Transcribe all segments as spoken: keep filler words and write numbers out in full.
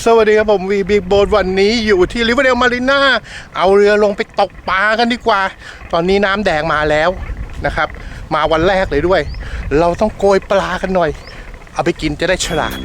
สวัสดีครับผมวีบิ๊กโบ๊ทวันนี้อยู่ที่ริเวอร์เดลมารีนาเอาเรือลงไปตกปลากันดีกว่าตอนนี้น้ำแดงมาแล้วนะครับมาวันแรกเลยด้วยเราต้องโกยปลากันหน่อยเอาไปกินจะได้ฉลาด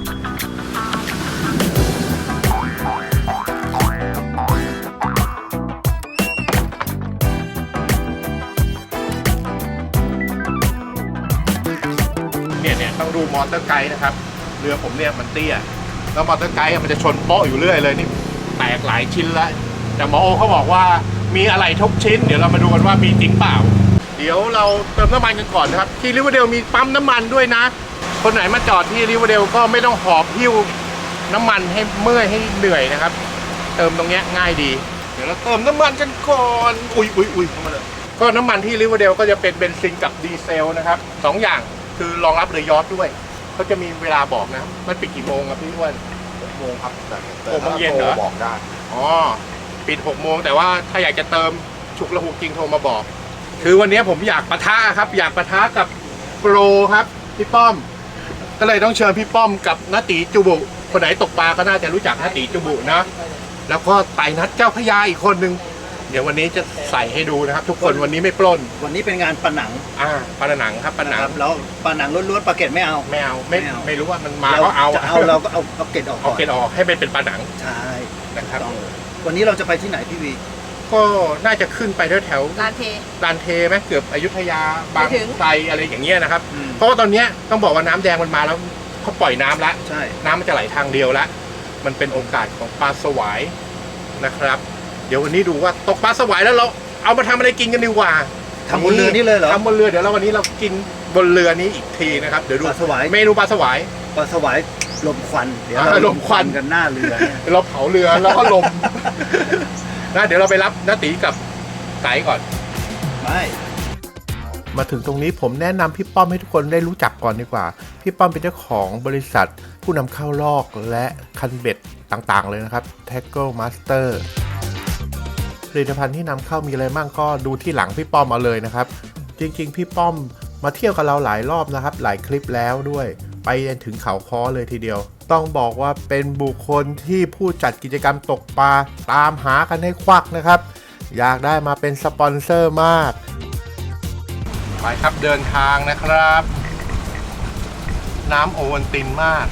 เนี่ยเนี่ยต้องดูมอเตอร์ไกด์นะครับเรือผมเนี่ยมันเตี้ยแล้วมอเตอร์ไกด์มันจะชนโป๊ะอยู่เรื่อยเลยนี่แตกหลายชิ้นแล้วแต่หมอโอเขาบอกว่ามีอะไรทุกชิ้นเดี๋ยวเรามาดูกันว่ามีจริงเปล่าเดี๋ยวเราเติมน้ำมันกันก่อนนะครับที่ริเวอร์เดลมีปั๊มน้ำมันด้วยนะคนไหนมาจอดที่ริเวอร์เดลก็ไม่ต้องหอบหิ้วน้ำมันให้เมื่อยให้เหนื่อยนะครับเติมตรงเนี้ยง่ายดีเดี๋ยวเราเติมน้ำมันกันก่อนอุ้ยอุ้ยอุ้ยเข้ามาเลยก็น้ำมันที่ริเวอร์เดลก็จะเป็นเบนซินกับดีเซลนะครับสองอย่างคือรองรับเรือยอชต์ด้วยเขาจะมีเวลาบอกนะมันปิดกี่โมงครับพี่อ้วนหกโมงครับแต่หกโมงเย็นเหรอบอกได้อ๋อปิดหกโมงแต่ว่าถ้าอยากจะเติมฉุกละหุกจริงโทรมาบอกคือวันนี้ผมอยากปะทะครับอยากปะทะกับโปรครับพี่ป้อมก็เลยต้องเชิญพี่ป้อมกับณตีจูบุคนไหนตกปลาก็น่าจะรู้จักณตีจูบุนะแล้วก็ไต่นัดเจ้าพญาอีกคนนึงเดี๋ยววันนี้จะใส่ให้ดูนะครับทุกคนวันนี้ไม่ปล้นวันนี้เป็นงานปะหนังอ่าปะหนังครับปะหนังแล้วปะหนังล้วนๆปลาเก็ดไม่เอาไม่เอาไม่ไม่รู้ว่ามันมาก็เอาจะเอาเราก็เอาเอาเก็ดออกเอาเก็ดออกให้มันเป็นปะหนังใช่นะครับวันนี้เราจะไปที่ไหนพี่วีก็น่าจะขึ้นไปแถวแถวลานเทลานเทไหมเกือบอยุธยาบางไทรอะไรอย่างเงี้ยนะครับเพราะว่าตอนนี้ต้องบอกว่าน้ำแดงมันมาแล้วเขาปล่อยน้ำแล้วใช่น้ำมันจะไหลทางเดียวแล้วมันเป็นโอกาสของปลาสวายนะครับเดี๋ยววันนี้ดูว่าตกปลาสวายแล้วเราเอามาทำอะไรกินกันดีกว่าทำบนเรือนี่เลยเหรอทำบนเรือเดี๋ยวเราวันนี้เรากินบนเรือนี้อีกทีนะครับเดี๋ยวดูปลาสวายเมนูปลาสวายปลาสวายลมควันเดี๋ยวเราลมควันกันหน้าเรือเราเผาเรือแล้วก็ลมนะเดี๋ยวเราไปรับน้าตีกับไก่ก่อนไม่มาถึงตรงนี้ผมแนะนำพี่ป้อมให้ทุกคนได้รู้จักก่อนดีกว่าพี่ป้อมเป็นเจ้าของบริษัทผู้นำเข้าลอกและคันเบ็ดต่างๆเลยนะครับ Tackle Master ผลิตภัณฑ์ที่นำเข้ามีอะไรบ้างก็ดูที่หลังพี่ป้อมมาเลยนะครับจริงๆพี่ป้อมมาเที่ยวกับเราหลายรอบนะครับหลายคลิปแล้วด้วยไปถึงเขาค้อเลยทีเดียวต้องบอกว่าเป็นบุคคลที่ผู้จัดกิจกรรมตกปลาตามหากันให้ควักนะครับอยากได้มาเป็นสปอนเซอร์มากไปครับเดินทางนะครับน้ำโอวัลตินมาก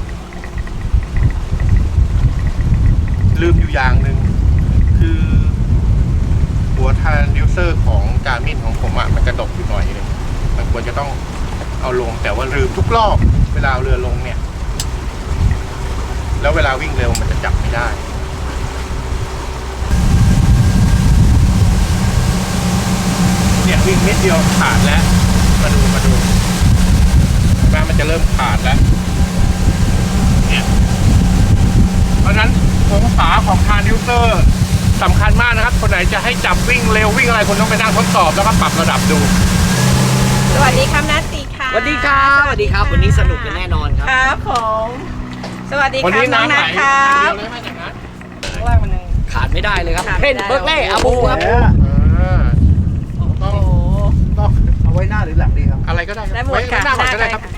ลืมอยู่อย่างหนึ่งคือหัวทรานดิวเซอร์ของการ์มินของผมอ่ะมันกระดกอยู่หน่อยนึงมันควรจะต้องเอาลงแต่ว่าลืมทุกรอบเวลาเรือลงเนี่ยแล้วเวลาวิ่งเร็วมันจะจับไม่ได้เนี่ยวิ่งเม็ดเดียวขาดแล้วมาดูมาดูแม้มันจะเริ่มขาดแล้วเนี่ยเพราะฉะนั้นองศาของทรานดิวเซอร์สำคัญมากนะครับคนไหนจะให้จับวิ่งเร็ววิ่งอะไรคนต้องไปนั่งทดสอบแล้วก็ปรับระดับดูสวัสดีครับนัทตีค่ะสวัสดีครับสวัสดีครับวันนี้สนุกกันแน่นอนครับครับผมสวัสดีครับน้องนัทครับขาดไม่ได้เลยครับเพนเบิร์กเล่อาบูครับต้องต้องเอาไว้หน้าหรือหลังดีครับอะไรก็ได้ไว้หน้าก่อนก็ได้ครับ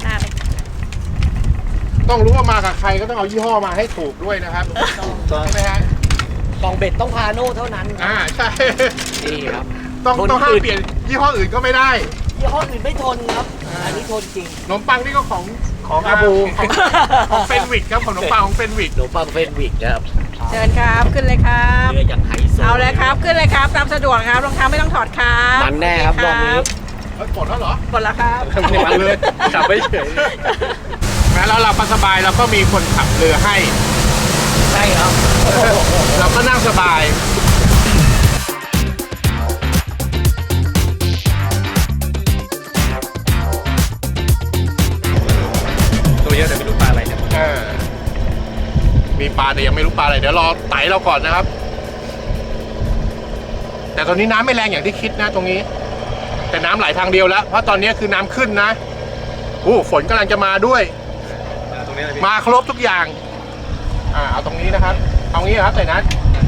ต้องรู้ว่ามากับใครก็ต้องเอายี่ห้อมาให้ถูกด้วยนะครับใช่ไหมฮะกล่องเบ็ดต้องพาโน่เท่านั้นอ่าใช่นี่ครับต้องต้องห้ามเปลี่ยนยี่ห้ออื่นก็ไม่ได้ยี่ห้ออื่นไม่ทนครับอันนี้ทนจริงขนมปังนี่ก็ของของอาบูของเฟนวิกครับขนมปังของเฟนวิกขนมปังเฟนวิกครับเชิญครับขึ้นเลยครับเรืออย่างไฮโซเอาเลยครับขึ้นเลยครับตามสะดวกครับรองเท้าไม่ต้องถอดครับมันแน่ครับรอบนี้กดแล้วเหรอกดแล้วครับกดเลยจับไม่เฉยแม้แล้วเราสบายแล้วก็มีคนขับเรือให้ใช่ครับเราก็นั่งสบายตัวเยอะแต่ไม่รู้ปลาอะไรเนี่ยมีปลาแต่ยังไม่รู้ปลาอะไรเดี๋ยวรอไต่เราก่อนนะครับแต่ตอนนี้น้ำไม่แรงอย่างที่คิดนะตรงนี้แต่น้ำไหลทางเดียวแล้วเพราะตอนนี้คือน้ำขึ้นนะโอ้ฝนกำลังจะมาด้วยมาครบทุกอย่างอ่าเอาตรงนี้นะครับเอางี้ครับใส่นัด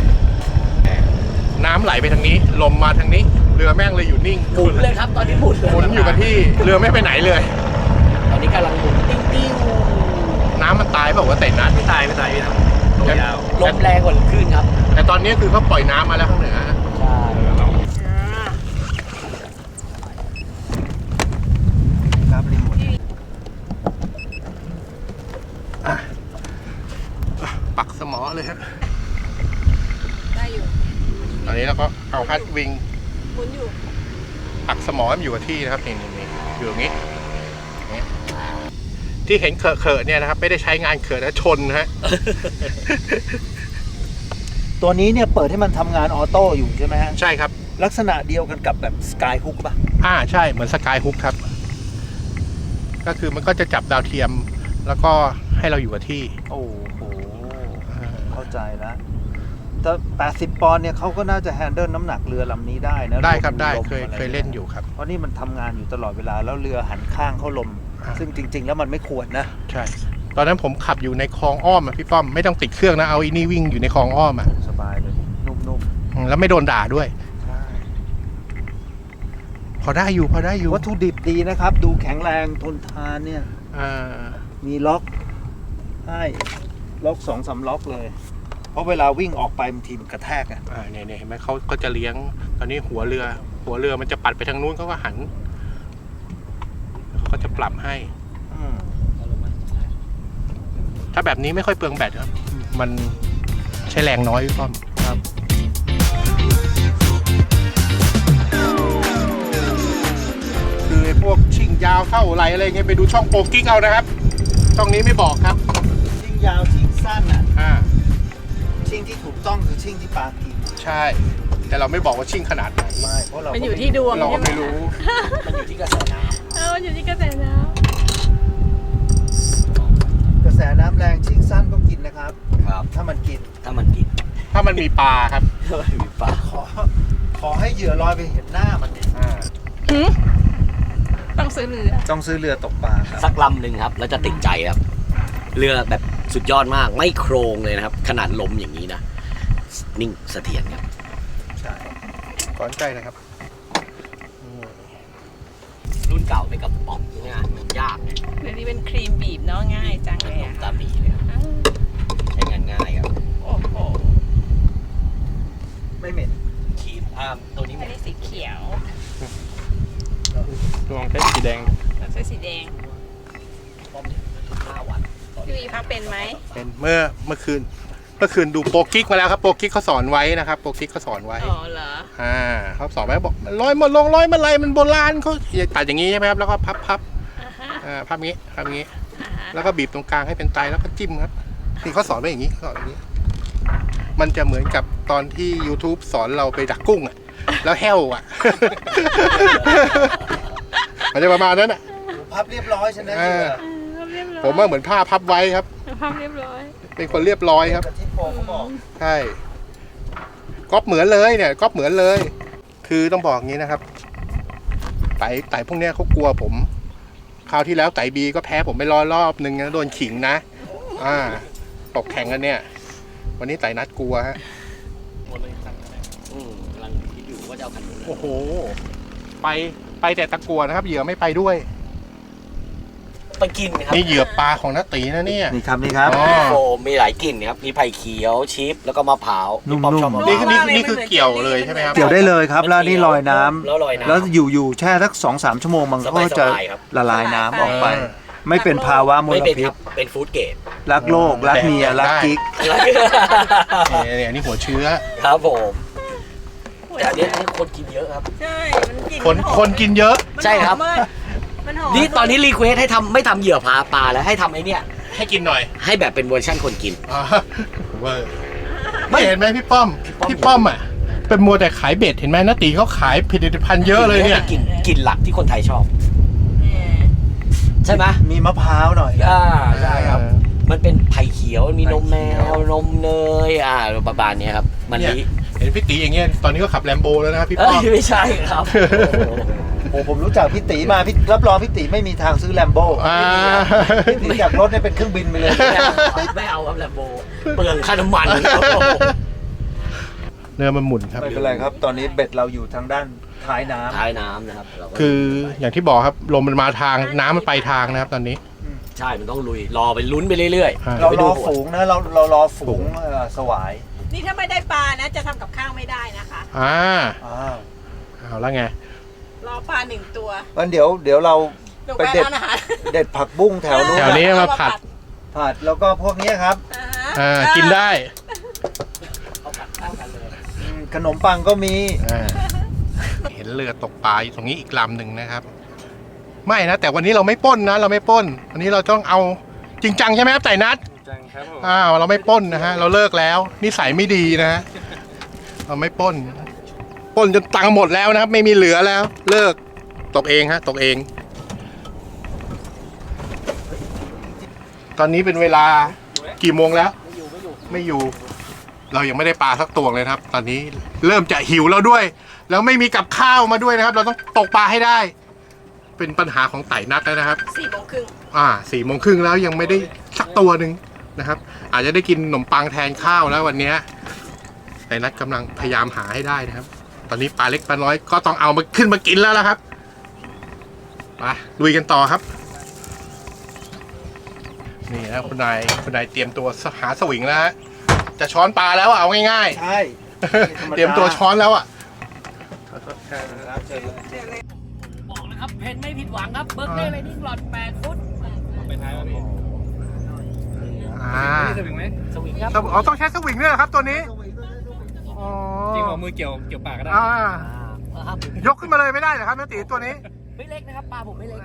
น้ำไหลไปทางนี้ลมมาทางนี้เรือแม่งเลยอยู่นิ่งหมุนเลยครับตอนนี้หมุนเลยหมุนอยู่กับที่เรือไม่ไปไหนเลยตอนนี้กำลังหมุนติ้งติ้งน้ำมันตายเปล่าวะเตะนัดไม่ตายไม่ตายพี่นะลมแรงกว่าคลื่นครับแต่ตอนนี้คือเขาปล่อยน้ำมาแล้วข้างเหนือใช่ครับรีโมทปักสมอเลยครับได้อยู่ตอนนี้เราก็เอาฮัตวิงหมุนอยู่ปักสมอมันอยู่กับที่นะครับนี่นี่นี่อยู่ตรงนี้นี่ที่เห็นเขอะเขอะๆเนี่ยนะครับไม่ได้ใช้งานเขอะนะชนนะฮะตัวนี้เนี่ยเปิดให้มันทำงานออโต้อยู่ใช่ไหมฮะใช่ครับลักษณะเดียวกันกับแบบสกายฮุกป่ะอ่าใช่เหมือนสกายฮุกครับ ก็คือมันก็จะจับดาวเทียม แล้วก็ให้เราอยู่กับที่โอ้โห เข้าใจแล้วแต่แปดสิบปอนด์เนี่ยเขาก็น่าจะแฮนเดิลน้ำหนักเรือลำนี้ได้นะได้ครับได้ลมเคยอะไรเคยเล่นอยู่ครับเพราะนี่มันทำงานอยู่ตลอดเวลาแล้วเรือหันข้างเข้าลมอ่าซึ่งจริง ๆ แล้วมันไม่ควรนะใช่ ตอนนั้นผมขับอยู่ในคลองอ้อมอะพี่ป้อมไม่ต้องติดเครื่องนะเอาอีนี่วิ่งอยู่ในคลองอ้อมอะสบายเลย นุ่มอืมแล้วไม่โดนด่าด้วยๆ ใช่พอได้อยู่พอได้อยู่วัตถุดิบดีนะครับ ดูแข็งแรงทนทานเนี่ยอ่ามีล็อกให้ล็อกสองสามล็อกเลย เพราะเวลาวิ่งออกไปบางทีมันกระแทกอะอ่าเนี่ยเนี่ยเห็นไหมเขาก็จะเลี้ยง ตอนนี้หัวเรือ หัวเรือมันจะปัดไปทางนู้นเขาก็หันเขาก็จะปรับให้อืมถ้าแบบนี้ไม่ค่อยเปลืองแบตครับ มันใช้แรงน้อยพี่ป้อมครับคือไอ้พวกชิงยาวเท่าไรอะไรเงี้ยไปดูช่องโปรกิ๊กเอานะครับ ช่องนี้ไม่บอกครับชิงยาวชิงสั้นอ่ะอ่าชิงที่ถูกต้องคือชิงที่ปลากินใช่ แต่เราไม่บอกว่าชิงขนาดไหนไม่เพราะเรามันอยู่ที่ดวงเราก็ใช่ไหมไม่รู้มันอยู่ที่กระแสน้เออมันอยู่ที่กระแสน้กระแสน้ำแรงชิงสั้นก็กินนะครับำครับถ้ามันกินถ้ามันกินถ้ามันมีปลาครับถ้ามันมีปลาขอ ขอให้เหยื่อลอยไปเห็นหน้ามันดิอ่าำหืมต้องซื้อเรือต้องซื้อเรือตกปลาครับสักลำหนึ่งครับ แล้วจะติดใจครับ เรือแบบสุดยอดมากไม่โครงเลยนะครับ ขนาดลมอย่างนี้นะ นิ่งเสถียรครับใช่ก่อนใกล้นะครับรุ่นเก่าเป็นกระป๋องงานมันยากเนี่ยเรือนี้เป็นครีมบีบเนาะง่ายจังเลยลมอะตาบีเลยครับอ้าวใช้งานง่ายครับโอ้โหไม่เหม็นครีมอ่าตัวนี้อันนี้สีเขียวดวงใช้สีแดงเราใช้สีแดงป้อมเนี่ยห้าวันพี่วีพักเป็นไหมเป็นเมื่อเมื่อคืน เมื่อคืนดูโปรกิ๊กมาแล้วครับ โปรกิ๊กเขาสอนไว้นะครับ โปรกิ๊กเขาสอนไว้อ๋อเหรออ่าเขาสอนไว้บอกลอยมาลงลอยมาไรมันโบราณเขาอย่าตัดอย่างนี้ใช่ไหมครับ แล้วก็พับพับอ่าฮะอ่าพับงี้พับงี้อ่าฮะแล้วก็บีบตรงกลางให้เป็นไตแล้วก็จิ้มครับนี่เขาสอนไว้อย่างนี้เขาสอนอย่างนี้ มันจะเหมือนกับตอนที่ YouTube สอนเราไปดักกุ้งอ่ะ แล้วแห้วอ่ะ มันจะประมาณนั้นอ่ะพับเรียบร้อยใช่ไหมเหยื่อเออเรียบร้อยผมว่าเหมือนผ้าพับไว้ครับพับเรียบร้อยเป็นคนเรียบร้อยครับกับที่โปรเขาบอกใช่ก๊อปเหมือนเลยเนี่ยก๊อปเหมือนเลย คือต้องบอกอย่างนี้นะครับ ไต่ไต่พวกเนี้ยเขากลัวผม คราวที่แล้วไต่บีก็แพ้ผมไปรอรอบหนึ่งนะโดนขิงนะ อ่า ตกแข่งกันเนี่ย วันนี้ไต่นัดกลัวฮะอืมกำลังคิดอยู่ว่าจะเอาคันนู้นเลยโอ้โห ไปไปแต่ตะกัวนะครับ เหยื่อไม่ไปด้วยไปกินครับนี่เหยื่อปลาของน้าตีนะเนี่ยนี่ครับนี่ครับอ๋อโฟมมีหลายกลิ่นครับ มีไผ่เขียวชิปแล้วก็มะพร้าวนุ่มๆพี่ป๊อปชอบมะพนี่ร้าวคือนี่คือนี่คือเกี่ยวเลยใช่ไหมครับเกี่ยวได้เลยครับ แล้วนี่ลอยน้ำแล้วลอยน้ำแล้วอยู่อยู่แช่สักสองสามชั่วโมงมันก็จะสบายๆครับละลายน้ำออกไปเออไม่เป็นภาวะมไม่ลเป็นพิคษรับเป็นฟู้ดเกรดรักโลก รักเมีย รักกิ๊กเนี่ยเนี่ยนี่หัวเชื้อครับผมแต่อันนี้คนกินเยอะครับใช่ มันกลิ่นคนมัหอมคนกินเยอะมันใช่ครับหอมมากมันหอมนี่ตอนนี้รีเควสให้ทำไม่ทำเหยื่อพาปลาแล้วให้ทำไอ้เนี่ยให้กินหน่อยให้แบบเป็นเวอร์ชั่นคนกินอ่าเวอร์ไม่เห็นไหมพี่ป้อมพี่พี่ป้ป้ออมมอ่ะ เป็นมัวแต่ขายเบ็ดเห็นไหมนาตีเขาขายผลิตภัณฑ์เยอะเลยเนี่ยกินกินหลักที่คนไทยชอบเนี่ยใช่ไหมมีมะพร้าวหน่อยอ่าใช่ครับ มันเป็นไผ่เขียวมีนมแมวนมเนยอ่าประมาณเนี้ยครับ มันเนี่ยลิเห็นพี่ตีอย่างเงี้ยตอนนี้ก็ขับแลมโบแล้วนะครับพี่เอ้ป้ยอมไม่ใช่ครับโอ้ผมรู้จักพี่ตีมาพี่รับรองพี่ตีไม่มีทางซื้อแลมโบ้อ่าพี่ตีจากรถเนี่ยเป็นเครื่องบินไปเลยไม่เอาครับแลมโบเปลืองค่าน้ำมันครับเนื้อมันหมุนครับไม่เป็นไรครับ ตอนนี้เบ็ดเราอยู่ทางด้านท้ายน้ำท้ายน้ำนะครับเราก็คืออย่างที่บอกครับลมมันมาทางน้ำมันไปทางนะครับ ตอนนี้อืมใช่ มันต้องลุย รอไปลุ้นไปเรื่อยอ่าๆเราไปรดูอหัวฝูงนะเราเรารอฝูงเอ่อสวายนี่ถ้าไม่ได้ปลานะจะทำกับข้าวไม่ได้นะคะอ่าอ่าเอาแล้วไงรอปลาหนึ่งตัวงั้นเดี๋ยวเดี๋ยวเราลงไปไปเด็ดร้านอาหารเด็ดผักบุ้งแถวนู้นแถวนี้มาผัดผัดแล้วก็พวกนี้ครับอ่าฮะอ่ากินได้อืมขนมปังก็มีอ่าเห็นเรือตกปลาอยู่ตรงนี้อีกลำหนึ่งนะครับ ไม่นะ แต่วันนี้เราไม่ปล้นนะ เราไม่ปล้น วันนี้เราต้องเอาจริงจังใช่ไหมครับไต่นัดจังครับผมอ้าวเราไม่ปล้นนะฮะ เราเลิกแล้วนิสัยไม่ดีนะฮะเราไม่ปล้นปล้นจนตังค์หมดแล้วนะครับ ไม่มีเหลือแล้ว เลิกตกเองฮะตกเอง ตอนนี้เป็นเวลากี่โมงแล้ว ไม่อยู่ไม่อยู่ไม่อยู่ เรายังไม่ได้ปลาสักตัวเลยนะครับ ตอนนี้เริ่มจะหิวแล้วด้วย แล้วไม่มีกับข้าวมาด้วยนะครับ เราต้องตกปลาให้ได้ เป็นปัญหาของไต่นัดแล้วนะครับสี่โมงครึ่งอ่าสี่โมงครึ่งแล้วยังไม่ได้สักตัวหนึ่งนะครับ อาจจะได้กินขนมปังแทนข้าวแล้ววันเนี้ยไต่นัดกำลังพยายามหาให้ได้นะครับ ตอนนี้ปลาเล็กปลาน้อยก็ต้องเอามาขึ้นมากินแล้วละครับไปลุยกันต่อครับ นี่นะคุณนายคุณนายเตรียมตัวหาสวิงแล้วฮะจะช้อนปลาแล้วอะเอาง่ายใช่ๆ เตรียมตัวช้อนแล้วอ่ะบอกนะครับ เพนไม่ผิดหวังครับ เบิร์กเล่ไรนิ่งหลอดแปดฟุตไปท้ายป่ะพี่อ่านี่จะถึงไหมสวิงครับอ๋อต้องใช้สวิงด้วยเหรอครับตัวนี้อ๋อจริงของมือเกี่ยวเกี่ยวปากก็ได้อ่าอ่าครับยกขึ้นมาเลยไม่ได้เหรอครับน้าตีตัวนี้ไม่เล็กนะครับ ปลาผมไม่เล็ก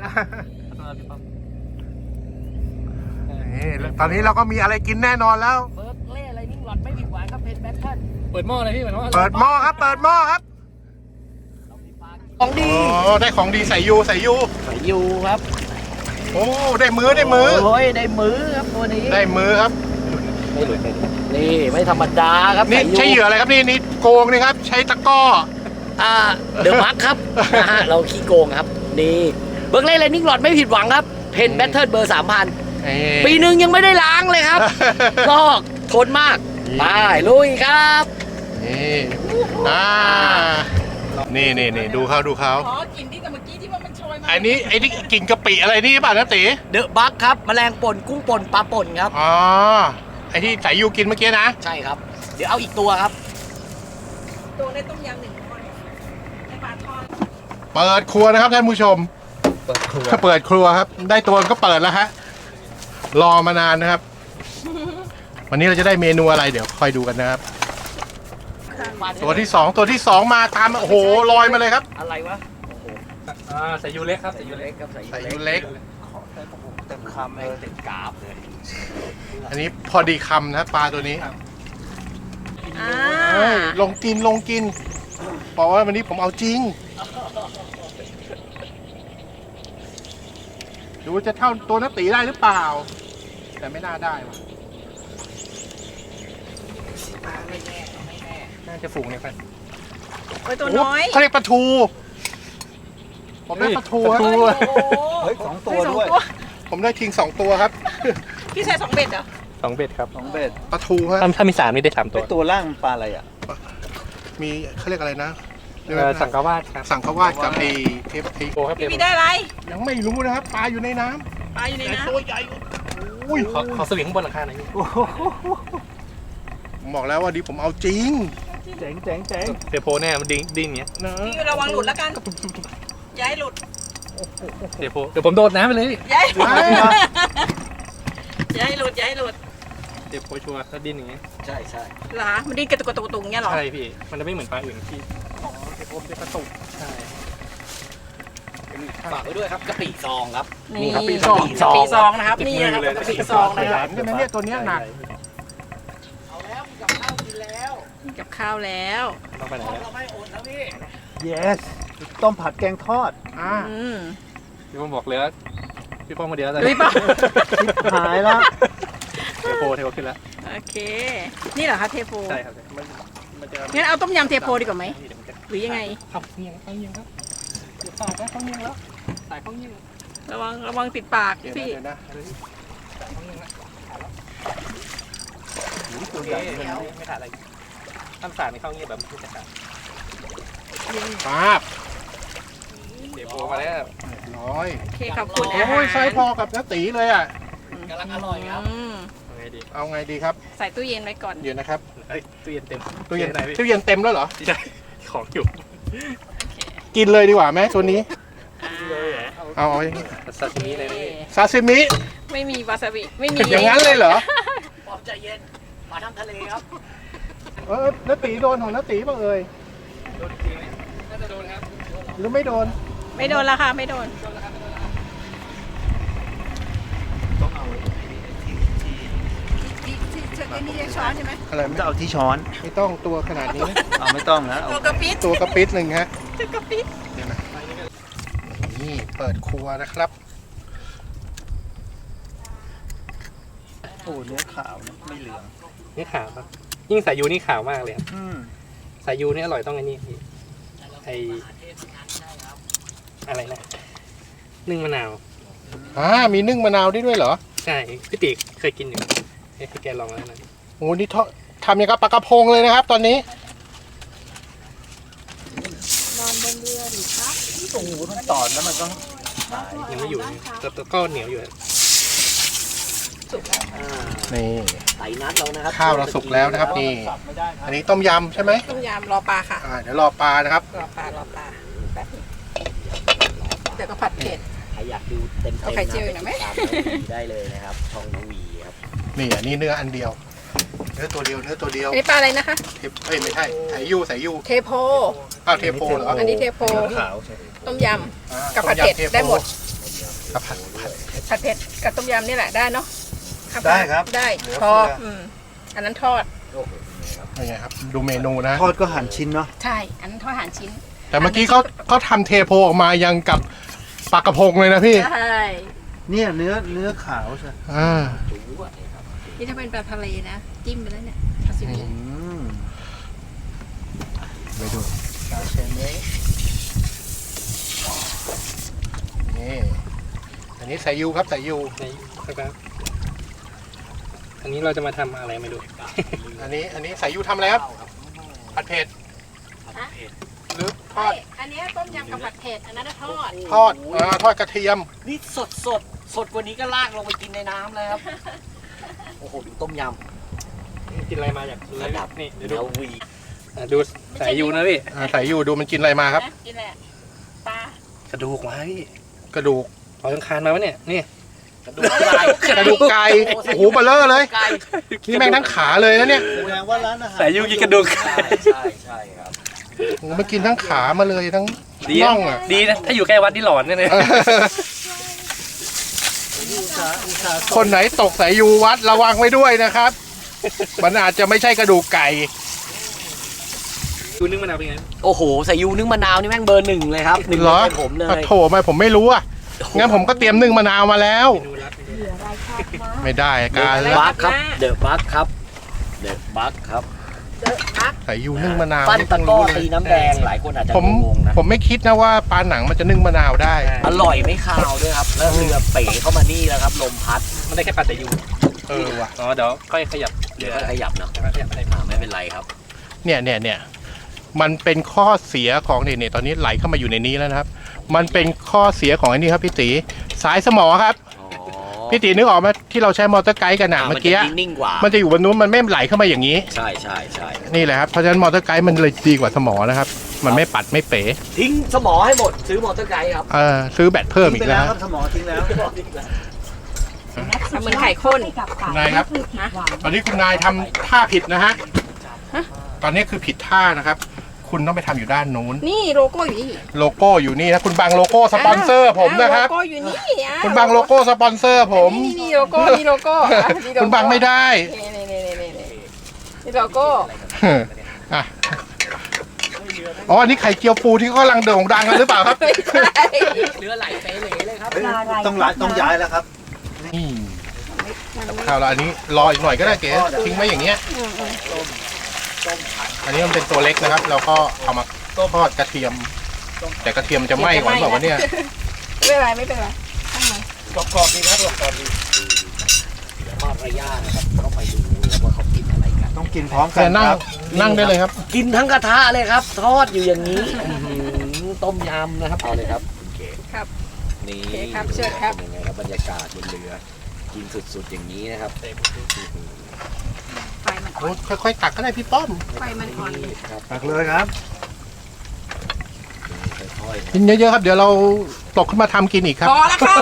นี่ตอนนี้เราก็มีอะไรกินแน่นอนแล้วเบิร์กเล่ไรนิ่งหลอดไม่ผิดหวังครับ เพนแบทเทิลเปิดหม้อเลยพี่เปิดหม้อเปิดหม้อครับ เปิดหม้อครับของดีอ๋อได้ของดีใส่ยูใส่ยูใส่ยูครับโอ้ได้มือได้มือโอ้ยได้มือครับตัวนี้ได้มือครับไม่หลุดไม่หลุดนี่ไม่ธรรมดาครับนี่สายยูใช้เหยื่ออะไรครับนี่นี่โกงนี่ครับ ใช้ตะกร้ออ่าเดอะมาร์คครับนะฮะเราขี้โกงครับ นี่เบิร์กเล่ไรนิ่งหลอดไม่ผิดหวังครับ เพนแบทเทิลเบอร์สามพัน ปีหนึ่งยังไม่ได้ล้างเลยครับ ลอกทนมาก ไปลุยครับนี่อ่านี่นี่นี่ดูเขาดูเขาอ๋อกินที่กับเมื่อกี้ที่ว่ามันโชยมาอันนี้ไอ้นี่กินกะปิอะไรนี่ป่ะนะตีเดอะบัคครับแมลงป่นกุ้งป่นปลาป่นครับอ๋อไอ้ที่ใส่ยูกินเมื่อกี้นะใช่ครับ เดี๋ยวเอาอีกตัวครับตัวในต้มยำหนึ่งคนในปลาทอดเปิดครัวนะครับท่านผู้ชมเปิดครัวเปิดครัวครับ ได้ตัวก็เปิดแล้วฮะรอมานานนะครับ วันนี้เราจะได้เมนูอะไรเดี๋ยวคอยดูกันนะครับ ตัวที่สองตัวที่สองมาตามโอ้โหลอยมาเลยครับอะไรวะอ่าใส่ยูเล็กครับใส่ยูเล็กครับใส่ใส่ยูเล็กเต็มคำแม่เลงยเต็มกราบเลยอันนี้พอดีคำนะครับปลาตัวนี้อ่าเอ้ยลงกินลงกินบอกว่าวันนี้ผมเอาจริง ดูว่าจะเท่าตัวนักตีได้หรือเปล่า แต่ไม่น่าได้ว่ะน่าจะฝูงเนี่ยครับโอ้ยตัวน้อยเขาเรียกปลาทู ผมได้ปลาทูครับโอ้โหเฮ้ยสองตัวเฮ้ยสองด้วยตัวผมได้คิงสองตัวครับพี่ใช้สองเบ็ดเหรอสองเบ็ดครับสองเบ็ดปลาทูครับถ้าถ้ามีสามนี่ได้สามตัไอวตัวล่างมันปลาอะไรอ่ะมีเขาเรียกอะไรนะเอ่อสังกาวาสครับสังขวาดกับไอ้เทปไอ้โอครับพี่มีได้อะไรยังไม่รู้นะครับปลาอยู่ในน้ำปลาอยู่ในแต่น้ตัวใหญ่อุ้ยขอขอสวิงข้างบนหลังคาหน่อยพี่ผมบอกแล้วว่าดีผมเอาจริงเจ๋งเจ๋งเจ๋งเทโพเนี่ยมันดิ้งดิ้งอย่างเงี้ยนะำพี่ระวังหลุดแล้วกันอย่าให้หลุดเทโพเดี๋ยวผมโดดน้ำไปเลยพี่อย่าให้หลุดอย่าให้หลุดอย่าให้หลุดเทโพชัวร์ถ้าดิ้นอย่างเงี้ยใช่ใช่เหรอมันดิ้นกระตุกกระตุกกระตุกอย่างเงี้ยเหรอใช่พี่มันจะไม่เหมือนปลาอื่นที่เทปผมจะกระตุกใช่ฝากไว้ด้วยครับกะปิซองครับนี่กะปิซองกะปิซองนะครับนี่นะครับกะปิซองนะแหคลรับมใช่ไหมเนี่ยตัวเนี้ยหนักเอาแล้วมีกับข้าวกินแล้วกับข้าวแล้วต้องไปไหนแล้วเราไม่อดนะพี่ yes ต้มผัดแกงทอดอ่าอืมพี่ผมบอกเลยว่าพี่ป้องมาเดียวแล้วลุยป่ะหายแล้วเทโพเทโพขึ้นแล้วโอเค นี่เหรอคะเทโพใช่ครับมันมันจะงั้นเอาต้มยำเทโพดีกว่าไหมเดี๋ยวมันจะหรือยังไงขับเงียงเข้าเงียงครับเดี๋ยวสายแล้วเข้าเงียงแล้วสายเข้าเงียงระวังระวังติดปากเดี๋ยวนะพี่เดี๋ยวนะสายเข้าเงียงแล้วตัวโอใหญ่เคเลยไม่ขาดอะไรถ้าสายไม่เข้าเงียงแบบมันจะขาดป้าบเดี๋ยวโผล่มาแล้วดูน้อยโอเคขอบคุณโอ้ยไซส์พอกับน้าตีเลยอ่ะกำลังอร่อยครับอืมเอาไงดีครับใส่ตู้เย็นไว้ก่อนเดี๋ยวนะครับเอ้ยตู้เย็นเต็มตู้เย็นไหนพี่ตู้เย็นเต็มแล้วเหรอใช่ของอยู่กินเลยดีกว่าไหมตัวนี้อ่าเอาเอาอย่างนี้ซาซิมิเลยนะพี่ซาซิมิไม่มีวาซาบิไม่มีอย่างนั้นเลยเหรอปอมใจเย็นมาทำทะเลครับเออน้าตีโดนของน้าตีป่ะเอ่ยโดนจริงไหมน่าจะโดนครับหรือไม่โดนไม่โดนละค่ะไม่โดนต้องเอาที่ที่ที่นี่จะช้อนใช่ไหมอะไรผมไม่จะเอาที่ช้อนไม่ต้องตัวขนาดนี้นะเอาไม่ต้องนะเอาตัวกระปิดตัวกระปิดหนึ่งฮะตัวกระปิดเดี๋ยวนะนี่เปิดครัวนะครับโอ้เนื้อขาวนะไม่เหลืองนี่ขาวครับยิ่งสายยูนี่ขาวมากเลยครับอืมสายยูนี่อร่อยต้องอันนี้พี่ไออะไรนะนึ่งมะนาวอ่ามีนึ่งมะนาวได้ด้วยเหรอใช่พี่ติเคยกินอยู่ให้พี่แกลองแล้วนะโอ้นี่ทอดทำอย่างกับปลากระพงเลยนะครับ ตอนนี้นอนบนเรือดิครับโอ้โหมันตอดแล้วมันก็หายยังไม่อยู่แต่แต่ก็เหนียวอยู่นี่ไต่นัดเรานะครับข้าวเราสุกแล้วนะครับนี่สับไม่ได้ครับอันนี้ต้มยำใช่ไหมต้มยำรอปลาค่ะอ่าเดี๋ยวรอปลานะครับรอปลารอปลาแป๊บนึงเดี๋ยวก็ผัดเผ็ดใครอยากดูเต็มๆเอาไข่เจียวอีกหน่อยไหมติดตามน้องวีได้เลยนะครับช่องน้องวีครับนี่อันนี้เนื้ออันเดียว เนื้อตัวเดียวเนื้อตัวเดียวอันนี้ปลาอะไรนะคะเทปเอ้ยไม่ใช่สายยูสายยูเทโพอ้าวเทโพเหรออันนี้เทโพเนื้อขาวใช่ไหมต้มยอ่ากับผัดเผ็ดต้ยำทโพได้หมดกับผัดผัดำผัดเผ็ดกับต้มยำนี่แหละได้เนาะได้ครับได้เหลือพอเฟืออือืมอันนั้นทอดยังไงครับ ดูเมนูนะทอดก็หั่นชิ้นเนาะใช่ อันนั้นทอดอาหารชิ้นแต่เมื่อกี้เขาเขาทำเทโพออกมายังกับปลากระพงเลยนะพี่ใช่เนี่ยเนื้อเนื้อขาวใช่อ่านี่ถ้าเป็นปลาทะเลนะ จิ้มไปแล้วเนี่ยซาซิมิอืมไปดูซาเชเมะนี่อันนี้สายยูครับสายยูในครับอันนี้เราจะมาทำอะไรไม่รู้อันนี้อันนี้สายยูทำอะไรครับผัดเผ็ดหรือทอดอันนี้ต้มยำกับผัดเผ็ด อันนั้นทอดทอดอ่าทอดกระเทียมนี่สดสดสดกว่านี้ก็ลากลงไปกินในน้ำเลยครับ โอ้โหดูต้มยกินอะไรมาอยากดูำเลระยดับนี่เดี๋ยวเดี๋ดูยววีอ่ะดูสายยูนะพี่อ่าสายยูดูมันกินอะไรมาครับนะกินแหละปลากระดูกมาพี่กระดูกเอายังคานมาวะเนี่ยนี่กระดูกไก่กระดูกไก่โอ้โหเบลเลอร์เลยไก่นี่แม่งทั้งขาเลยนะเนี่ยแสดงว่าร้านอาหารสายยูกินกระดูกใช่ใช่ใช่ครับโอ้โหมันกินทั้งขามาเลยทั้งดีน่นะองอ่ะดีนะถ้าอยู่ใกล้วัดนี่หลอนแน่เลยอุตสาห์อุตสาห์คนไหนตกสายยูวัดระวังไว้ด้วยนะครับ มันอาจจะไม่ใช่กระดูกไก่ดูนึ่งมะนาวเป็นไงโอ้โหใส่ยูนึ่งมะนาวนี่แม่งเบอร์หนึ่งเลยครับหนึ่งเหรอเป็นผมเลยอ่ะโถไม่ผมไม่รู้อ่ะ งั้นผมก็เตรียมนึ่งมะนาวมาแล้วดูรัดไม่ได้การเดแล้อะวบัคครับเดอะบัคครับเดอะบัคครับเดอะอักสายยูนึ่งมะนาวปั้นนี่ตะเพิ่งกร้อรู้เลตียน้ำแดงหลายคนอาจจะผมงงๆนะผมไม่คิดนะว่าปลาหนังมันจะนึ่งมะนาวได้อร่อยไม่คาวด้วยครับแล้วเรือเป๋เข้ามานี่แล้วครับลมพัดมันได้แค่ปัดแต่ยูเออว่ะอ๋อเดี๋ยวค่อยขยับเดี๋ยวก็ขยับเนาะขยับอะไรอ่าไม่เป็นไรครับเนี่ยเนี่ยเนี่ยมันเป็นข้อเสียของเนี่ยเนี่ยตอนนี้ไหลเข้ามาอยู่ในนี้แล้วนะครับ มันเป็นข้อเสียของไอ้นี่ครับพี่ตีสายสมอครับอ๋อพี่ตีนึกออกไหมที่เราใช้มอเตอร์ไกด์กันนะอ่าเมื่อกี้นจะนิ่งๆกว่ามันจะอยู่บนนู้นมันไม่ไหลเข้ามาอย่างนี้ใช่ใช่ใช่นี่แหละครับเพราะฉะนั้นมอเตอร์ไกด์มันเลยดีกว่าสมอนะครับ มันไม่ปัดไม่เป๋ทิ้งสมอให้หมดซื้อมอเตอร์ไกด์ครับเออซื้อแบตเพิ่มทิ้อีงไปกแล้แล้ววครับสมองทิ้งแล้วเหมือนไข่ข้นนายครับ ตอนนี้คุณนายทำท่าผิดนะฮะ ตอนนี้คือผิดท่านะครับ คุณต้องไปทำอยู่ด้านนู้นนี่โลโก้อยู่นี่โลโก้อยู่นี่นะ คุณบังโลโก้สปอนเซอร์ผมนะครับโลโก้อยู่นี่อ่ะคุณบังโลโก้สปอนเซอร์ผมนี่นี่โลโก้นี่โลโก้อ่ะนี่โลโก้คุณบังไม่ได้นี่นี่นี่นี่นี่นี่โลโก้อ่ะอ๋อ อันนี้ไข่เจียวปูที่เขากำลังโด่งดังกันหรือเปล่าครับไม่ใช่เรือไหลเป๋เหลเลยครับต้องย้ายต้องย้ายแล้วครับนี่กับข้าวเราอันนี้รออีกหน่อยก็ได้เก๋ทิ้งไว้อย่างเงี้ย อันนี้มันเป็นตัวเล็กนะครับ เราก็เอามาทอดกระเทียม แต่กระเทียมจะไหม้ก่อนบอกว่าวะเนี่ยไม่เป็นไรไม่เป็นไรข้างในกรอบๆดีครับกรอบๆดีเดี๋ยวมารยาทนะครับเข้าไปดูแล้วว่าเขากินอะไรกันต้องกินพร้อมกัแต่นนั่งครับนั่งได้เลยครับกินทั้งกระทะเลยครับ ทอดอยู่อย่างนี้อื้อหือต้มยำนะครับเอาเลยครับคุณเก๋ครับนี่โอเคครับเชิญครับเป็นยังไงครับบรรยากาศบนเรือกินสุดๆอย่างนี้นะครับไฟมันอ่โอ้อนค่อยๆตักก็ได้พี่ป้อมไฟมันอ่อนครับตักเลยครับค่อยๆกินเยอะๆครับ เดี๋ยวเราตกขึ้นมาทำกินอีกครับพอแล้วครับ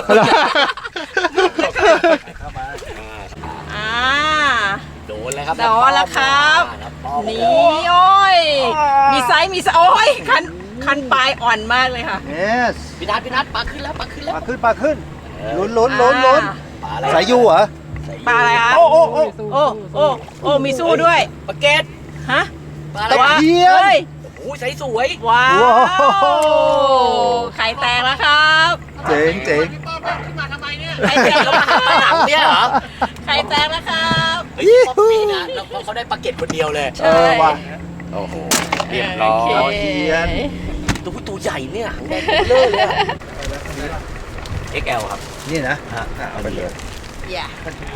เข้ามาอ่าอ่าโดนแล้วครับโดนแล้วครับครับป้อมนี่โอ้ย มีไซส์มีไซส์โอ้ยคันคันปลายอ่อนมากเลยค่ะ yes พี่นัทพี่นัทปลาขึ้นแล้วปลาขึ้นแล้วปลาขึ้นปลาขึ้นลุ้นลุ้นลุ้นลุ้นปลาอะไรสายยูเหรอปลาอะไรคะโอ้โอ้โอ้โอ้โอ้โอ้มีสู้ด้วยปลาเกตฮะปลาอะไรตะวะเพียนเฮ้ยโอ้ยใสสวยว้าวว้าวไข่แตกแล้วครับเจ๋งเจ๋งพี่ป้อมเอาขึ้นมาทำไมเนี่ยไข่แตกแล้แล้ว วมาหาปลาหนังเนี่ยเหรอไข่แตกแล้วครับเฮ้ยป๊อปปี้นะแล้วเขาได้ปลาเกตคนเดียวเลยใช่เออว่ะโอ้โหเรียบร้อโคยเทียนตัวผู้ตัวใหญ่เนี่ยหางแดงเบลอเลยอะ เอ็กซ์ แอล ครับนี่นะอ่ะเอาไปเลยอย่า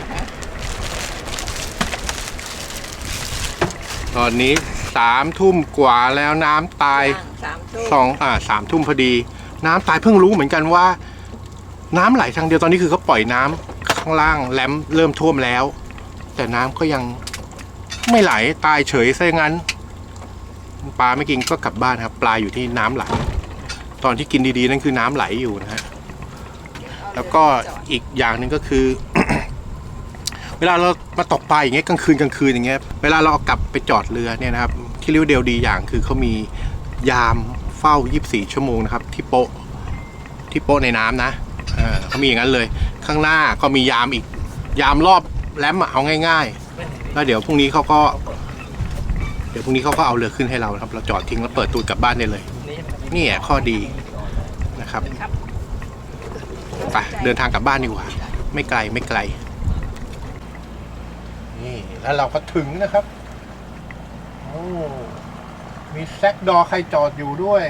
ตอนนี้สามทุ่มกว่าแล้วน้ำตายสามทุ่มสองอ่าสามทุ่มพอดี น้ำตายเพิ่งรู้เหมือนกันว่า น้ำไหลทางเดียวตอนนี้คือเขาปล่อยน้ำข้างล่างแหลมเริ่มท่วมแล้ว แต่น้ำก็ยังไม่ไหลตายเฉยซะอย่างนั้นปลาไม่กินก็กลับบ้านครับ ปลาอยู่ที่น้ำไหล ตอนที่กินดีๆนั่นคือน้ำไหลอยู่นะฮะแล้วก็อีกอย่างหนึ่งก็คือ เวลาเรามาตกปลาอย่างเงี้ยกลางคืนกลางคืนอย่างเงี้ยเวลาเราเอากลับไปจอดเรือเนี่ยนะครับที่เรียกว่าเดียวดีอย่างคือเขามียามเฝ้ายี่สิบสี่ชั่วโมงนะครับที่โป๊ะที่โป๊ะในน้ำนะเออเขามีอย่างนั้นเลย ข้างหน้าก็มียามอีกยามรอบแลมอะเอาง่ายๆแล้วเดี๋ยวพรุ่งนี้เขาก็เดี๋ยวพรุ่งนี้เขาก็เอาเรือขึ้นให้เราครับเราจอดทิ้งแล้วเปิดตูดกลับบ้านได้เลยนี่แหละข้อดีนะครับไปเดินทางกลับบ้านดีกว่าไม่ไกลไม่ไกลนี่แล้วเราก็ถึงนะครับโอ้มีแซกดอใครจอดอยู่ด้วย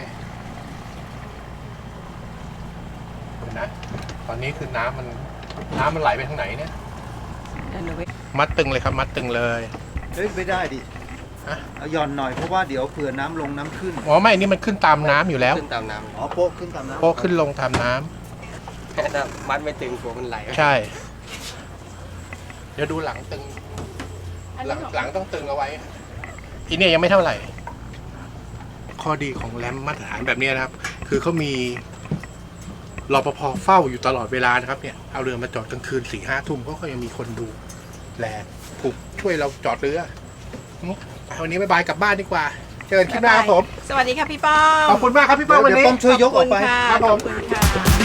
เดี๋ยวนะตอนนี้คือน้ำมันน้ำมันไหลไปทางไหนเนี่ยมัดตึงเลยครับมัดตึงเลยเฮ้ยไม่ได้ดิฮะเอาหย่อนหน่อยเพราะว่าเดี๋ยวเผื่อน้ำลงน้ำขึ้นอ๋อไม่นี่มันขึ้นตามน้ำอยู่แล้วขึ้นตามน้อ๋อโป๊ะขึ้นตามน้ำโป๊ะขึ้นลงตามน้ำำแค่ถ้ามัดไม่ตึงกลัวมันไหลใช่ เดี๋ยวดูหลังตึง หลังหลังต้องตึงเอาไว้อีเนี่ยยังไม่เท่าไหร่ ข้อดีของแรมมาตรฐานแบบนี้นะครับ คือเขามีรปภเฝ้าอยู่ตลอดเวลานะครับเนี่ยเอาเรือมาจอดกลางคืนสี่ห้าทุ่มเขาก็ยังมีคนดูแลผูกช่วยเราจอดเรืออืมวันนี้บ๊ายบายกลับบ้านดีกว่า เจอกันคลิปหน้าครับผมสวัสดีค่ะพี่ป้อมขอบคุณมากครับพี่ป้าวันเดี๋ยวนี้ป้อมช่วยยกออกไปขอบคุณค่ะครับผมขอบคุณค่ะ